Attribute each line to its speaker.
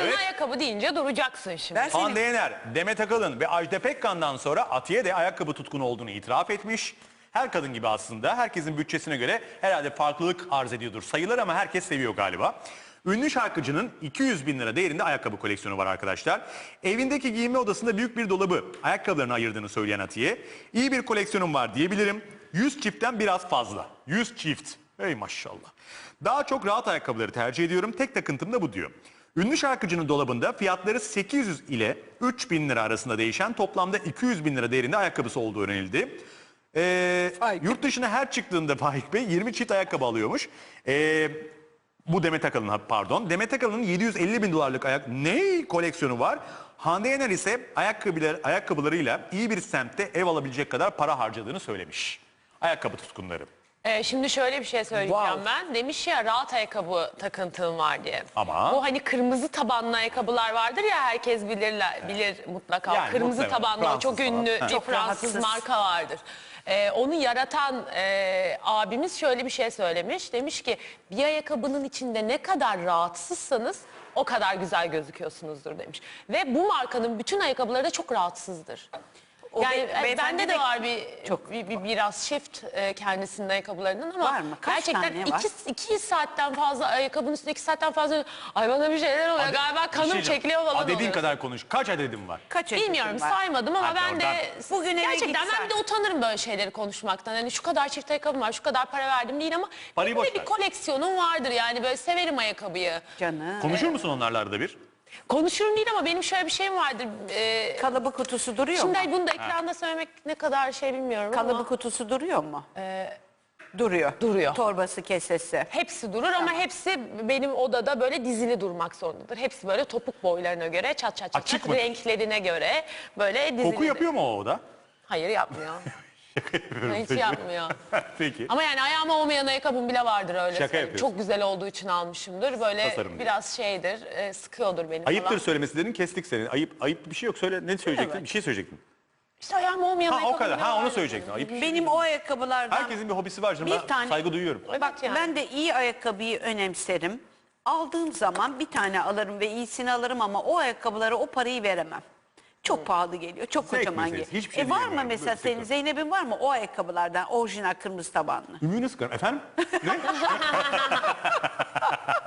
Speaker 1: Evet.
Speaker 2: ayakkabı deyince duracaksın şimdi.
Speaker 3: Ben
Speaker 1: Hande Yener, Demet Akalın ve Ajda Pekkan'dan sonra Atiye de ayakkabı tutkunu olduğunu itiraf etmiş. Her kadın gibi aslında herkesin bütçesine göre herhalde farklılık arz ediyordur sayılar ama herkes seviyor galiba. Ünlü şarkıcının 200 bin lira değerinde ayakkabı koleksiyonu var arkadaşlar. Evindeki giyinme odasında büyük bir dolabı ayakkabılarını ayırdığını söyleyen Atiye, iyi bir koleksiyonum var diyebilirim. 100 çiftten biraz fazla. 100 çift. Ey maşallah. Daha çok rahat ayakkabıları tercih ediyorum. Tek takıntım da bu diyor. Ünlü şarkıcının dolabında fiyatları 800 ile 3000 lira arasında değişen toplamda 200 bin lira değerinde ayakkabısı olduğu öğrenildi. Yurt dışına her çıktığında Faik Bey 20 çift ayakkabı alıyormuş. Bu Demet Akalın, pardon. Demet Akalın'ın 750 bin dolarlık koleksiyonu var. Hande Yener ise ayakkabılarıyla iyi bir semtte ev alabilecek kadar para harcadığını söylemiş. Ayakkabı tutkunları.
Speaker 2: Şimdi şöyle bir şey söyleyeceğim
Speaker 3: Wow.
Speaker 2: ben. Demiş ya rahat ayakkabı takıntım var diye.
Speaker 1: Ama-
Speaker 2: Bu hani kırmızı tabanlı ayakkabılar vardır ya herkes bilir mutlaka.
Speaker 1: Yani
Speaker 2: Kırmızı
Speaker 1: muhtemelen.
Speaker 2: tabanlı
Speaker 1: Fransız
Speaker 2: çok
Speaker 1: falan.
Speaker 2: ünlü
Speaker 1: Ha.
Speaker 2: bir
Speaker 3: Çok
Speaker 2: Fransız
Speaker 3: rahatsız.
Speaker 2: marka vardır. Onu yaratan abimiz şöyle bir şey söylemiş. Demiş ki bir ayakkabının içinde ne kadar rahatsızsanız o kadar güzel gözüküyorsunuzdur demiş. Ve bu markanın bütün ayakkabıları da çok rahatsızdır.
Speaker 3: O
Speaker 2: Yani
Speaker 3: beyefendi
Speaker 2: bende de
Speaker 3: de
Speaker 2: var
Speaker 3: çok-
Speaker 2: biraz shift kendisinin ayakkabılarından ama
Speaker 3: Var mı? Kaç
Speaker 2: gerçekten
Speaker 3: tane var?
Speaker 2: 2 saatten fazla ayakkabının üstünde 2 saatten fazla ay bana bir şeyler oluyor galiba kanım çekiliyor falan
Speaker 1: Dediğin
Speaker 2: oluyor.
Speaker 1: kadar konuş. Kaç adedim var?
Speaker 3: Kaç adetin
Speaker 2: Bilmiyorum
Speaker 3: var?
Speaker 2: saymadım ama
Speaker 1: Hadi
Speaker 2: ben de
Speaker 1: oradan.
Speaker 3: Bugün eve
Speaker 2: gerçekten ben
Speaker 3: gitsen.
Speaker 2: bir de utanırım böyle şeyleri konuşmaktan. Hani şu kadar çift ayakkabım var, şu kadar para verdim değil ama
Speaker 1: Parayı
Speaker 2: benim de
Speaker 1: boş
Speaker 2: bir
Speaker 1: ver.
Speaker 2: koleksiyonum vardır yani böyle severim ayakkabıyı.
Speaker 3: Canım.
Speaker 1: Konuşur musun onlarla arada bir?
Speaker 2: Konuşurum değil ama benim şöyle bir şeyim vardır.
Speaker 3: Kalıbı kutusu duruyor mu?
Speaker 2: Şimdi bunu da ekranda söylemek ne kadar şey bilmiyorum
Speaker 3: Kalıbı
Speaker 2: ama
Speaker 3: kutusu duruyor mu? Duruyor.
Speaker 2: Duruyor.
Speaker 3: Torbası, kesesi.
Speaker 2: hepsi durur ama hepsi benim odada böyle dizili durmak zorundadır. Hepsi böyle topuk boylarına göre çat çat çat,
Speaker 1: Açık
Speaker 2: çat
Speaker 1: mı?
Speaker 2: renklerine göre böyle dizili.
Speaker 1: Koku yapıyor mu o oda?
Speaker 2: Hayır yapmıyor. Hiç yapmıyor.
Speaker 1: Peki.
Speaker 2: Ama yani ayağıma olmayan ayakkabım bile vardır öyle.
Speaker 1: Şaka
Speaker 2: söyleyeyim.
Speaker 1: yapıyorsun.
Speaker 2: Çok güzel olduğu için almışımdır. Böyle
Speaker 1: Tasarım diye.
Speaker 2: biraz şeydir, sıkıyordur beni
Speaker 1: Ayıptır
Speaker 2: falan.
Speaker 1: söylemesi dedin, kestik seni. Ayıp bir şey yok. Söyle, ne söyleyecektin?
Speaker 3: Evet.
Speaker 1: Bir şey söyleyecektin.
Speaker 2: İşte ayağıma olmayan
Speaker 1: Ha
Speaker 2: ayakkabım
Speaker 1: o kadar.
Speaker 2: bile
Speaker 1: Ha onu
Speaker 2: vardır.
Speaker 1: söyleyecektin. Ayıp bir şey.
Speaker 3: Benim o ayakkabılardan
Speaker 1: Herkesin bir hobisi var canım.
Speaker 3: Bir
Speaker 1: Ben
Speaker 3: tane-
Speaker 1: saygı duyuyorum.
Speaker 2: Evet
Speaker 3: bak
Speaker 2: yani.
Speaker 3: ben de iyi ayakkabıyı önemserim. Aldığım zaman bir tane alırım ve iyisini alırım ama o ayakkabılara o parayı veremem. Çok pahalı geliyor. Çok
Speaker 1: Zevk
Speaker 3: kocaman
Speaker 1: meselesi.
Speaker 3: geliyor.
Speaker 1: Hiçbir şey
Speaker 3: var mı
Speaker 1: diyemiyorum.
Speaker 3: mesela
Speaker 1: Böyle
Speaker 3: senin
Speaker 1: sektör.
Speaker 3: Zeynep'in var mı o ayakkabılardan orijinal kırmızı tabanlı?
Speaker 1: Ümüğünü sıkarım. Efendim? Ne?